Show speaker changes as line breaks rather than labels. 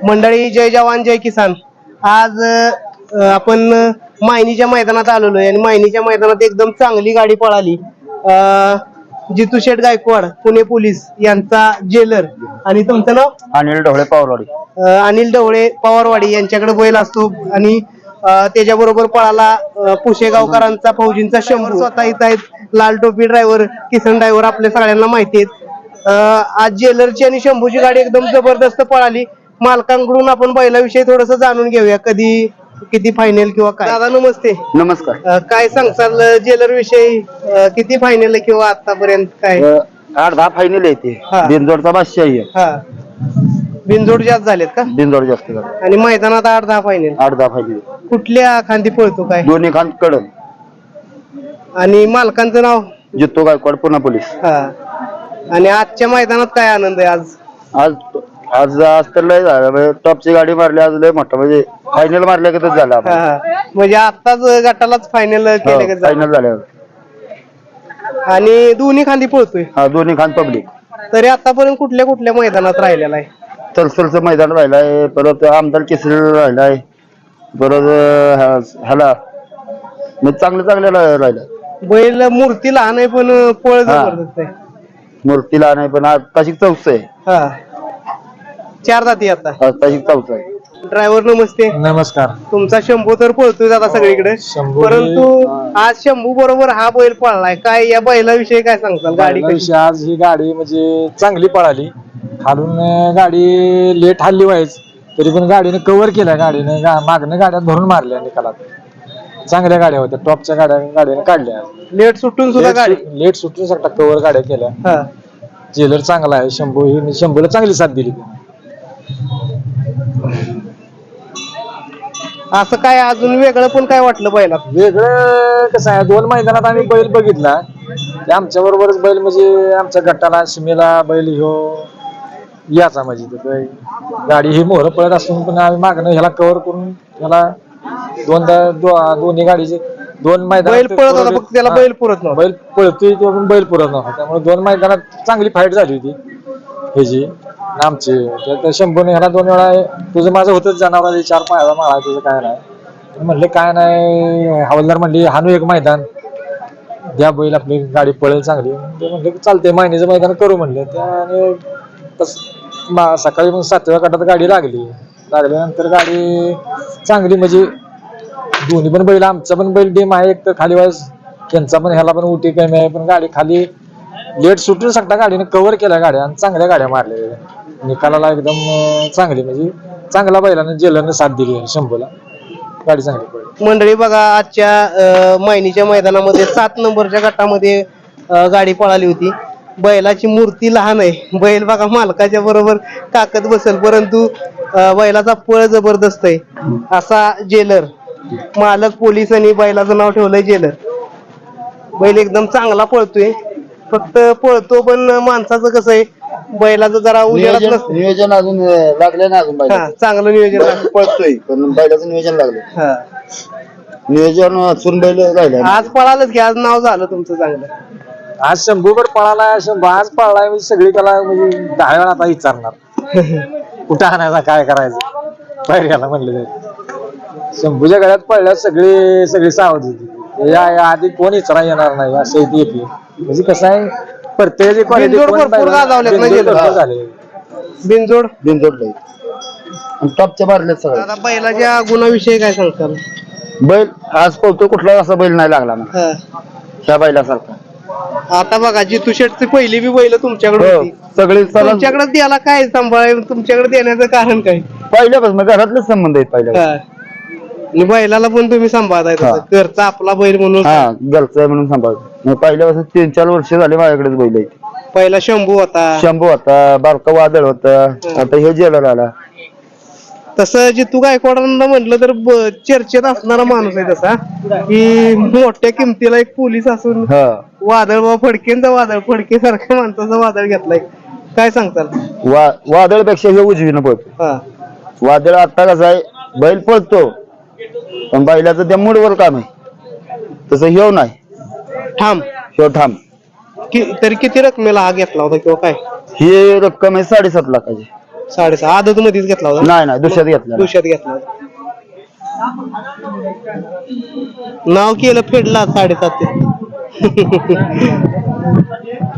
मंडळी, जय जवान जय किसान. आज आपण मायनीच्या मैदानात आलेलो आहे आणि मायनीच्या मैदानात एकदम चांगली गाडी पळाली. जितू शेठ गायकवाड पुणे पोलीस यांचा जेलर आणि तुमचं नाव?
अनिल ढवळे पवारवाडी.
अनिल ढवळे पवारवाडी यांच्याकडे बैल असतो आणि त्याच्याबरोबर पळाला पुशेगावकरांचा फौजींचा शंभू. स्वतः इथं आहेत लाल टोपी ड्रायव्हर, किसन ड्रायव्हर, आपल्या सगळ्यांना माहिती आहेत. आज जेलरची आणि शंभूची गाडी एकदम जबरदस्त पळाली. मालकांकडून आपण बैलाविषयी थोडस जाणून घेऊया, कधी किती फायनल किंवा काय. दादा नमस्ते.
नमस्कार.
काय सांगताल जेलर विषयी, किती फायनल किंवा आतापर्यंत काय?
8-10 फायनल येते. बिनजोडचा बादशाह आहे.
हा, बिनजोड जास्त झालेत का?
बिनजोड जास्त झाले
आणि मैदानात 8-10 फायनल.
8-10 फायनल.
कुठल्या खांदी पळतो काय?
दोन्ही खांद कडन.
आणि मालकांचं नाव?
जितू गायकवाड पुणे पोलीस.
हा. आणि आजच्या मैदानात काय आनंद आहे आज?
आज आज आज तर लय झालं. टॉपची गाडी मारली आज, लय मोठा म्हणजे फायनल मारल्यागतच झाला.
म्हणजे आताच गटालाच फायनल केले?
फायनल झाल्यावर.
आणि दोन्ही खांदी पळतोय?
हा, दोन्ही खांद पब्लिक.
तरी आतापर्यंत कुठल्या कुठल्या मैदानात राहिलेला आहे?
तलसलचं मैदान राहिलाय, परत आमदार केसरी राहिलाय, परत ह्याला म्हणजे चांगलं राहिलं.
बैल मूर्ती लहान आहे पण पळ जबरदस्त आहे.
मूर्तीला नाही पण आताशी 4th आहे.
हा, 4 जाती आता.
आताशी 4th आहे.
ड्रायव्हर नमस्ते.
नमस्कार.
तुमचा शंभू तर पळतोय आता सगळीकडे, परंतु आज शंभू बरोबर हा बैल पळलाय. काय या बैलाविषयी काय सांगताल? गाडी कशी?
आज ही गाडी म्हणजे चांगली पळाली. खालून गाडी लेट हल्ली व्हायच, तरी पण गाडीने कव्हर केल्या. गाडीने मागणं गाड्यात भरून मारल्या निकालात. चांगल्या गाड्या होत्या, टॉपच्या गाड्याने काढल्या.
लेट सुटून सुद्धा गाडी
लेट सुटून सकता कव्हर गाड्या केल्या. जेलर चांगला आहे. शंभूला चांगली साथ दिली.
असं काय अजून वेगळं पण काय वाटलं बैला?
वेगळं कसं आहे, 2 मैदानात आम्ही बैल बघितला. आमच्या बरोबरच बैल म्हणजे आमच्या गटाला सीमेला बैल ह्यो याचा म्हणजे गाडी ही मोहर पळत असून पण आम्ही मागणं ह्याला कव्हर करून ह्याला दोन्ही गाडीचे 2 मैदान
बैल पळत होता, फक्त त्याला बैल पुरत नव्हता.
बैल पळतोय तो पण बैल पुरत नव्हता. त्यामुळे 2 मैदानात चांगली फाईट झाली होती ह्याची आमची. त्या शंभूने ह्याला 2 वेळा तुझं माझं होतच जनावर 4 पायाला माळा, तुझं काय नाही म्हणले. काय नाही, हवालदार म्हणले हानू एक मैदान द्या, बैल आपली गाडी पळेल चांगली. ते म्हणले चालते, महिन्याचं मैदान करू म्हणले. त्याने सकाळी मग 7व्या गटात गाडी लागल्यानंतर गाडी चांगली म्हणजे दोन्ही पण बैल, आमचा पण बैल डेम आहे एक तर खाली वाईस, त्यांचा पण ह्याला पण उठी कमी आहे. पण गाडी खाली लेट सुटून सकता गाडीने कव्हर केल्या गाड्या आणि चांगल्या गाड्या मारल्या. निकालाला एकदम चांगली म्हणजे चांगला बैलाने जेलरने साथ दिली शंभूला. गाडी चांगली पडली.
मंडळी बघा, आजच्या मायनीच्या मैदानामध्ये 7 नंबरच्या गटामध्ये गाडी पळाली होती. बैलाची मूर्ती लहान आहे. बैल बघा मालकाच्या बरोबर ताकद बसेल, परंतु बैलाचा पळ जबरदस्त आहे. असा जेलर, मालक पोलीस आणि बैलाचं नाव ठेवलंय जेलर. बैल एकदम चांगला पळतोय, फक्त पळतो पण माणसाचं कसं आहे, बैलाचं जरा उजेडात नसतं.
नियोजन अजून लागलं ना, अजून
चांगलं नियोजन
पळतोय पण बैलाचं नियोजन लागलं. नियोजन असून बैल राहिलं.
आज पळालच की, आज नाव झालं तुमचं चांगलं.
आज शंभूवर पळालाय, आज पळालाय म्हणजे सगळी त्याला म्हणजे 10 वेळा आता विचारणार कुठं आणायचा, काय करायचं. बाहेर घ्यायला म्हणले. शंभूच्या गळ्यात पडल्यात सगळी सावध होती. या आधी कोण विचारा येणार नाही असं येते. म्हणजे कसं आहे, प्रत्येकाची क्वालिटी
बिनजोड
टॉपच्या मारल्यात सगळं.
आता बैलाच्या गुणाविषयी काय सांगताल?
बैल आज पळतो, कुठला असा बैल नाही लागला ना त्या बैलासारखा.
आता बघा, जितू शेठची पहिली बी बैल तुमच्याकडे होती.
सगळे
तुमच्याकडे द्यायला काय सांभाळ, तुमच्याकडे देण्याचं कारण काय?
पहिल्यापासून घरातलेच संबंध आहेत पहिल्या.
आणि बैलाला पण तुम्ही सांभाळताय, घरचा आपला बैल म्हणून.
घरचा म्हणून सांभाळतो. पहिल्यापासून 3-4 वर्ष झाले माझ्याकडेच बैल आहेत.
पहिला शंभू होता,
बारका वादळ होता, आता हे जेलर आला.
तसं जितू गायकवाडांना म्हटलं तर चर्चेत असणारा माणूस आहे तसा, की मोठ्या किमतीला एक पोलीस असून वादळ फडके सारख्या माणसाचा वादळ घेतलाय. काय सांगताल?
वादळपेक्षा हे उजवीनं पळतो. वादळ आता कसं आहे, बैल पळतो पण बैलाचं त्या मूडवर काम आहे. तसं ह्यो नाही, ह्यो ठाम.
तरी किती रकमेला हा घेतला होता किंवा काय?
ही रक्कम आहे 7.5 लाखाची.
6.5 आदत मध्येच घेतला होता.
नाही नाही दुसऱ्यात घेतला
दुसऱ्यात घेतला होता. नाव केलं फेडला 7.5.